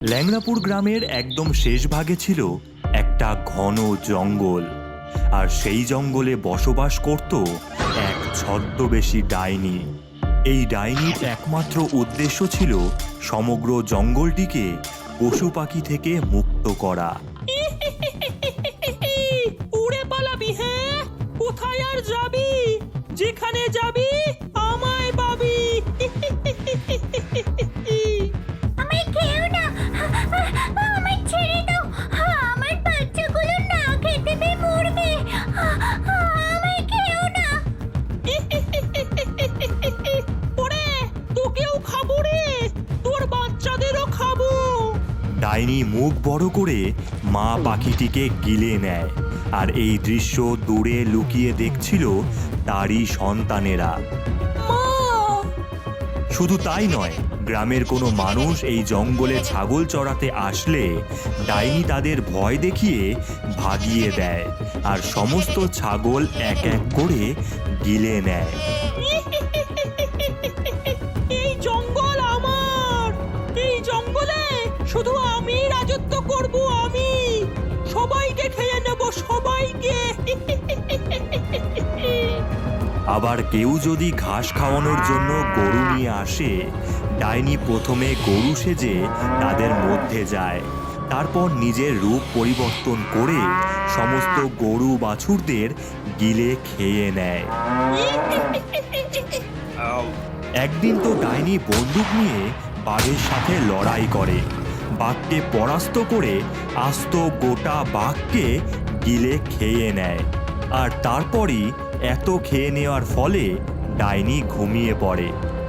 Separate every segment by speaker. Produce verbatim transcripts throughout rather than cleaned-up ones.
Speaker 1: ল্যাংড়াপুর গ্রামের একদম শেষ ভাগে ছিল একটা ঘন জঙ্গল, আর সেই জঙ্গলে বসবাস করত এক ছদ্মবেশী ডাইনি। এই ডাইনির একমাত্র উদ্দেশ্য ছিল সমগ্র জঙ্গলটিকে পশু পাখি থেকে মুক্ত করা।
Speaker 2: উড়ে পালাবি? হ্যাঁ, কোথায় আর যাবি? যেখানে যাবি আমায় পাবি।
Speaker 3: আমায় খেও না, আমায় ছেড়ে দাও, আমার বাচ্চাগুলো না খেতে পেয়ে মরবে, আমায় খেও না।
Speaker 2: ওরে, তোকেও খাবো রে, তোর বাচ্চাদেরও খাবো।
Speaker 1: ডাইনি মুখ বড় করে মা পাখিটিকে গিলে নেয়, আর এই দৃশ্য দূরে লুকিয়ে দেখছিল তারই সন্তানেরা। শুধু তাই নয়, গ্রামের কোনো মানুষ এই জঙ্গলে ছাগল চড়াতে আসলে ডাইনি তাদের ভয় দেখিয়ে ভাগিয়ে দেয়, আর সমস্ত ছাগল এক এক করে গিলে নেয়।
Speaker 2: এই জঙ্গল আমার, এই জঙ্গলে শুধু আমি রাজত্ব করব, আমি সবাইকে খেয়ে নেব, সবাইকে।
Speaker 1: আবার কেউ যদি ঘাস খাওয়ানোর জন্য গরু নিয়ে আসে, ডাইনি প্রথমে গরু সেজে তাদের মধ্যে যায়, তারপর নিজের রূপ পরিবর্তন করে সমস্ত গরু বাছুরদের গিলে খেয়ে নেয়। একদিন তো ডাইনি বন্দুক নিয়ে বাঘের সাথে লড়াই করে, বাঘকে পরাস্ত করে আস্ত গোটা বাঘকে গিলে খেয়ে নেয়। আর তারপরই এত খেয়ে নেওয়ার ফলে ডাইনি ঘুমিয়ে পড়ে।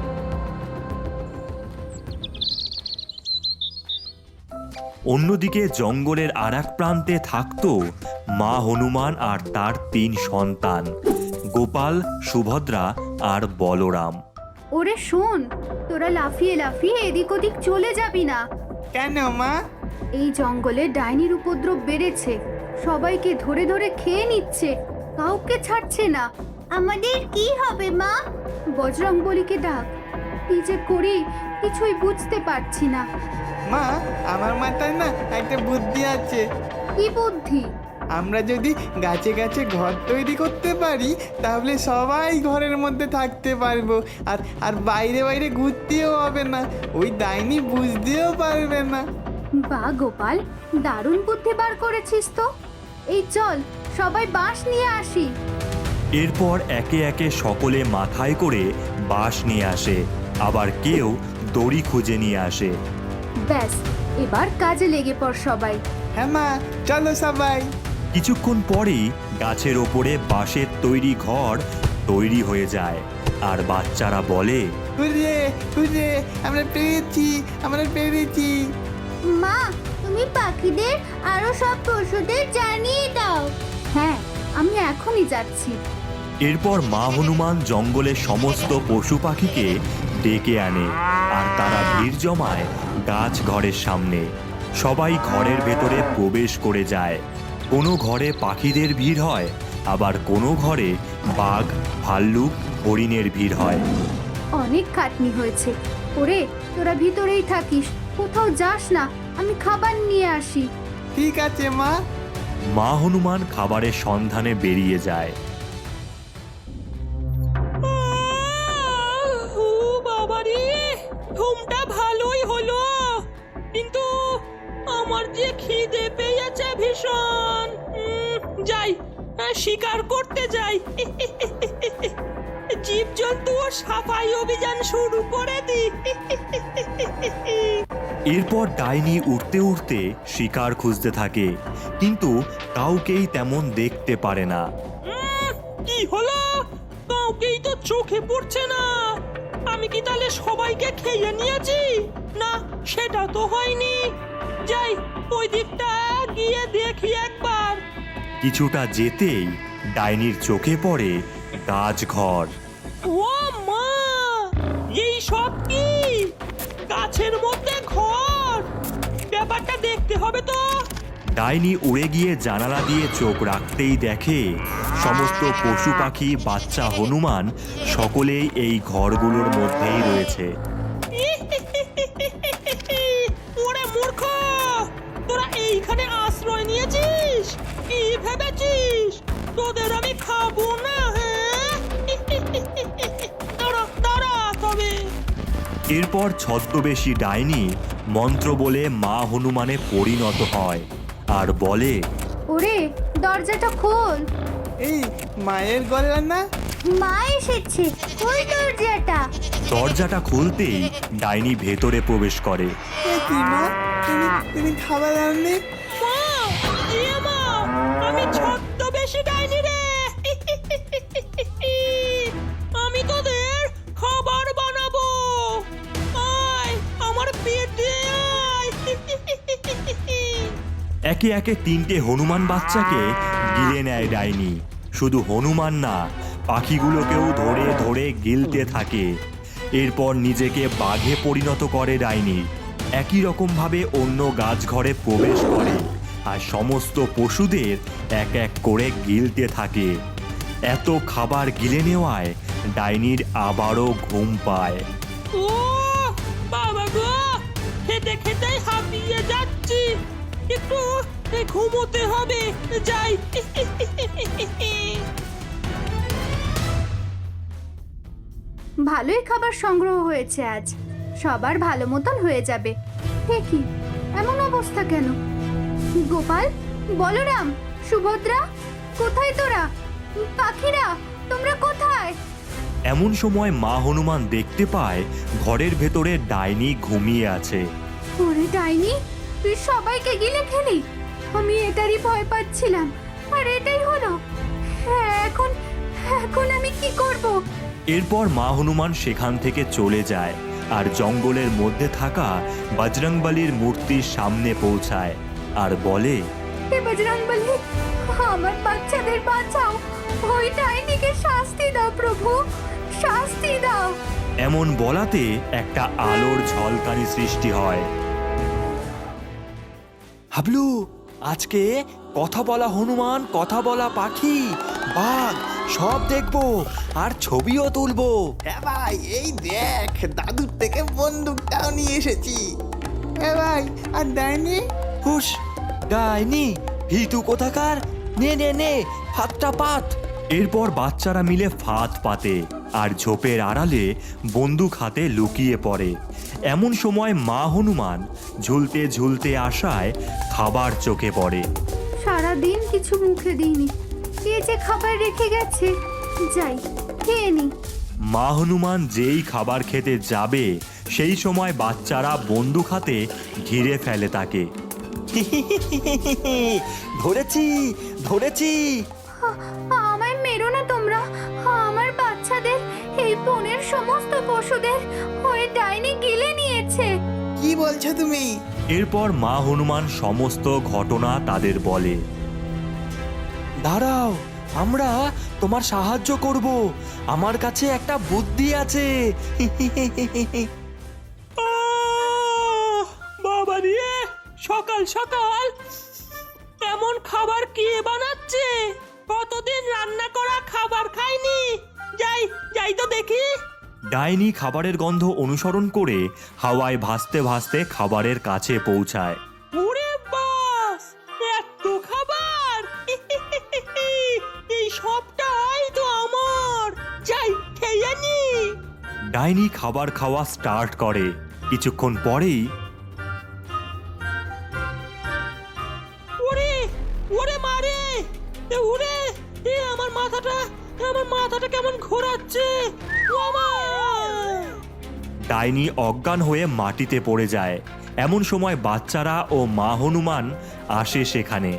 Speaker 1: অন্যদিকে জঙ্গলের আর এক প্রান্তে থাকত মা হনুমান আর তার তিন সন্তান, গোপাল, সুভদ্রা আর বলরাম।
Speaker 3: ওরে শোন, তোরা লাফিয়ে লাফিয়ে এদিক ওদিক চলে যাবি না।
Speaker 4: কেন মা?
Speaker 3: এই জঙ্গলে ডাইনির উপদ্রব বেড়েছে, সবাইকে ধরে ধরে খেয়ে নিচ্ছে, কাউকে ছাড়ছে না। আমাদের কি হবে মা? বজরং বলিকে ডাক। কি যে করি কিছুই বুঝতে পারছি না।
Speaker 4: মা, আমার মাথায় না একটা বুদ্ধি আছে।
Speaker 3: কি বুদ্ধি?
Speaker 4: আমরা যদি গাছে গাছে ঘর তৈরি করতে পারি, তাহলে সবাই ঘরের মধ্যে থাকতে পারবো, আর আর বাইরে বাইরে ঘুরতেও হবে না, ওই ডাইনি বুঝতেও পারবে না।
Speaker 3: বা গোপাল, দারুণ বুদ্ধি বার করেছিস তো। এই চল সবাই বাঁশ নিয়ে আসি।
Speaker 1: এরপর একে একে সকলে মাথায় করে বাঁশ নিয়ে আসে, আবার কেউ দড়ি খুঁজে নিয়ে আসে।
Speaker 3: ব্যাস, এবার কাজে লেগে পড় সবাই।
Speaker 4: হ্যাঁ মা, চলো সবাই।
Speaker 1: কিছুক্ষণ পরেই গাছের ওপরে বাঁশের তৈরি ঘর তৈরি হয়ে যায়, আর বাচ্চারা বলে,
Speaker 4: হুররে হুররে, আমরা পেরেছি, আমরা পেরেছি।
Speaker 3: মা, তুমি পাখিদের আরো সব পশুদের জানিয়ে দাও। হ্যাঁ, আমি এখনই যাচ্ছি।
Speaker 1: এরপর মা হনুমান জঙ্গলের সমস্ত পশু পাখিকে ডেকে আনে, আর তারা ভিড় জমায় গাছ ঘরের সামনে। সবাই ঘরের ভেতরে প্রবেশ করে যায়। কোনো ঘরে পাখিদের ভিড় হয়, আবার কোনো ঘরে বাঘ, ভাল্লুক, হরিণের ভিড় হয়।
Speaker 3: অনেক খাটনি হয়েছে। ওরে, তোরা ভিতরেই থাকিস, কোথাও যাস না, আমি খাবার নিয়ে আসি।
Speaker 4: ঠিক আছে মা।
Speaker 1: মা হনুমান খাবারের সন্ধানে বেরিয়ে যায়।
Speaker 2: ও বাবা রে, ঘুমটা ভালোই হলো, কিন্তু আমার যে খিদে পেয়েছে ভীষণ। উম, যাই, শিকার করতে যাই। জীবজন্তু সাফাই অভিযান শুরু করে দি।
Speaker 1: এরপর ডাইনি উঠতে উঠতে শিকার খুঁজতে থাকে, কিন্তু কাউকেই তেমন দেখতে পারে না।
Speaker 2: উম, কি হলো? কাউকেই তো চোখে পড়ছে না। আমি কি তাহলে সবাইকে খেয়ে নিয়েছি? না, সেটা তো হয়নি। যাই, ওই দিকটা গিয়ে দেখি একবার।
Speaker 1: কিছুটা যেতেই ডাইনির চোখে পড়ে গাছঘর।
Speaker 2: ও মা, এই সব কি? গাছের মধ্যে ঘর? ব্যাপারটা দেখতে হবে তো।
Speaker 1: ডাইনি উড়ে গিয়ে জানালা দিয়ে চোখ রাখতেই দেখে সমস্ত পশু পাখি, বাচ্চা, হনুমান সকলেই এই ঘরগুলোর মধ্যেই রয়েছে।
Speaker 2: ওরে মূর্খ, এখানে আশ্রয় নিয়েছিস? কি ভেবেছিস তোদের আমি খাবো না? হ্যাঁ দাঁড়া দাঁড়া তবে।
Speaker 1: এরপর ছদ্মবেশী ডাইনি মন্ত্র বলে মা হনুমানে পরিণত হয় আর বলে,
Speaker 3: ওরে দরজাটা খোল,
Speaker 4: এই মায়ের গলা না?
Speaker 3: মা এসেছে, খোল দরজাটা।
Speaker 1: দরজাটা খুলতেই ডাইনি ভেতরে প্রবেশ করে।
Speaker 4: এ কি মা, তুমি তুমি খাবার আনলে?
Speaker 2: মা, এ মা, আমি ছদ্মবেশী ডাইনি রে। আমি তোদের খাবার বানাবো। আয় আমার পেটে আয়।
Speaker 1: একে একে তিনটে হনুমান বাচ্চাকে গিলে নেয় ডাইনি। শুধু হনুমান না, পাখিগুলোকেও ধরে ধরে গিলতে থাকে। এরপর নিজেকে বাঘে পরিণত করে ডাইনি। একই রকমভাবে অন্য গাছঘরে প্রবেশ করে আর সমস্ত পশুদের এক এক করে গিলতে থাকে। এত খাবার গিলে নেওয়ায় ডাইনির আবারও ঘুম পায়।
Speaker 2: ও বাবা গো, খেতে খেতে হাঁপিয়ে যাচ্ছি, একটু ঘুমোতে হবে, যাই।
Speaker 3: ভালোই খাবার সংগ্রহ হয়েছে আজ, সবার ভালো মতন হয়ে যাবে। হে কি, এমন অবস্থা কেন? গোপাল, বলরাম, সুভদ্রা, কোথায় তোরা? পাখিরা, তোমরা কোথায়?
Speaker 1: এমন সময় মা হনুমান দেখতে পায় ঘরের ভেতরে ডাইনি ঘুমিয়ে আছে।
Speaker 3: ওরে ডাইনি, তুই সবাইকে গিলে খেলি। আমি এটারই ভয় পাচ্ছিলাম, আর এটাই হলো। হ্যাঁ, এখন এখন আমি কি করব?
Speaker 1: এরপর মা হনুমান সেখান থেকে চলে যায় আর জঙ্গলের মধ্যে থাকা বজরংবলীর মূর্তির সামনে পৌঁছায় আর বলে,
Speaker 3: হে বজরংবলী, আমার বাচ্চাদের বাঁচাও, ওই ডাইনিকে শাস্তি দাও প্রভু, শাস্তি দাও।
Speaker 1: এমন বলাতে একটা আলোর ঝলকানি সৃষ্টি হয়।
Speaker 5: হাবলু, আজকে কথা বলা হনুমান, কথা বলা পাখি, বাঘ সব দেখবো আর ছবিও তুলবো।
Speaker 4: হ্যাঁ ভাই, এই দেখ দাদুর থেকে বন্দুকটাও নিয়ে এসেছি। হ্যাঁ ভাই, আর ডাইনি?
Speaker 5: হুস, ডাইনি ভিতু কোথাকার, নে নে নে হাতটা পাত।
Speaker 1: এরপর বাচ্চারা মিলে ফাঁদ পাতে আর ঝোপের আড়ালে বন্দুক হাতে লুকিয়ে পড়ে। এমন সময় মা হনুমান ঝুলতে ঝুলতে আসায় খাবার চোখে পড়ে।
Speaker 3: সারাদিন কিছু মুখে দিইনি, কে যে খাবার রেখে গেছে, যাই খেয়ে নি।
Speaker 1: মা হনুমান যেই খাবার খেতে যাবে সেই সময় বাচ্চারা বন্দুক হাতে ঘিরে ফেলে তাকে।
Speaker 5: ধরেছি ধরেছি।
Speaker 3: আ- আমায় মেরো না তোমরা, আমার বাচ্চাদের, এই বনের সমস্ত পশুদের ওই ডাইনি গিলে নিয়েছে।
Speaker 4: কি বলছো তুমি?
Speaker 1: এরপর মা হনুমান সমস্ত ঘটনা তাদের বলে।
Speaker 5: দাঁড়াও, আমরা তোমার সাহায্য করব, আমার কাছে একটা বুদ্ধি আছে।
Speaker 2: আহ, বাবা রে, সকাল সকাল এমন খাবার কে বানাচ্ছে? কতদিন রান্না করা খাবার খাইনি। যাই যাই তো দেখি।
Speaker 1: ডাইনি খাবারের গন্ধ অনুসরণ করে হাওয়ায় ভাসতে ভাসতে খাবারের কাছে পৌঁছায়।
Speaker 2: ওরে বাস, এত খাবার! এই সবটাই তো আমার, যাই খেয়ে নি।
Speaker 1: ডাইনি খাবার খাওয়া স্টার্ট করে। কিছুক্ষণ পরেই
Speaker 2: ওরে ওরে মারে, এ ওরে, এ আমার মাথাটা, আমার মাথাটা কেমন ঘোরাচ্ছে। ও মা!
Speaker 1: ডাইনি অজ্ঞান হয়ে মাটিতে পড়ে যায়। এমন সময় বাচ্চারা ও মা হনুমান আসে সেখানে।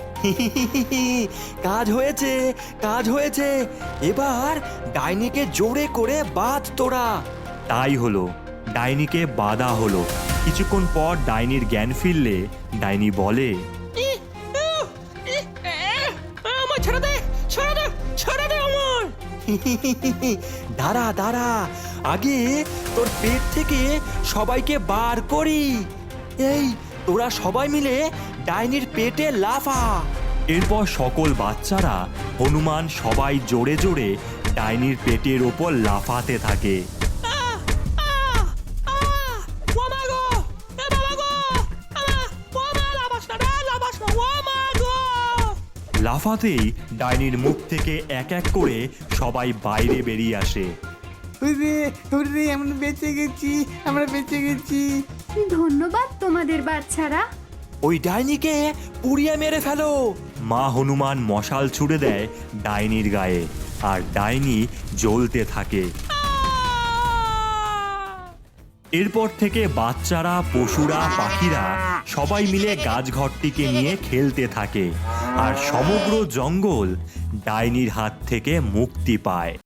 Speaker 5: কাজ হয়েছে, কাজ হয়েছে, এবার ডাইনিকে জোরে করে বাঁধ তোরা।
Speaker 1: তাই হলো, ডাইনিকে বাধা হলো। কিছুক্ষণ পর ডাইনির জ্ঞান ফিরলে ডাইনি বলে,
Speaker 2: ই, উহ, ই, এ, আমার ছেড়ে দে, ছেড়ে দে, ছেড়ে দে আমার।
Speaker 5: দাঁড়া দাঁড়া, আগে তোর পেট থেকে সবাইকে বার করি। এই তোরা সবাই মিলে ডাইনির পেটে লাফা।
Speaker 1: এরপর সকল বাচ্চারা হনুমান সবাই জোরে জোরে ডাইনির পেটের ওপর লাফাতে থাকে।
Speaker 2: আহ, আহ, আহ, ও মা গো, এ বাবা গো, আহ, ও মা, লাফাস না রে, লাফাস
Speaker 1: লাফাতেই ডাইনির মুখ থেকে এক এক করে সবাই বাইরে বেরিয়ে আসে।
Speaker 4: হুররে হুররে আমরা বেঁচে গেছি, আমরা বেঁচে গেছি।
Speaker 3: ধন্যবাদ তোমাদের বাচ্চারা।
Speaker 5: ওই ডাইনিকে পুড়িয়ে মেরে ফেলো।
Speaker 1: মা হনুমান মশাল ছুড়ে দেয় ডাইনির গায়ে, আর ডাইনি জ্বলতে থাকে। এরপর থেকে বাচ্চারা, পশুরা, পাখিরা সবাই মিলে গাছঘরটিকে নিয়ে খেলতে থাকে, আর সমগ্র জঙ্গল ডাইনির হাত থেকে মুক্তি পায়।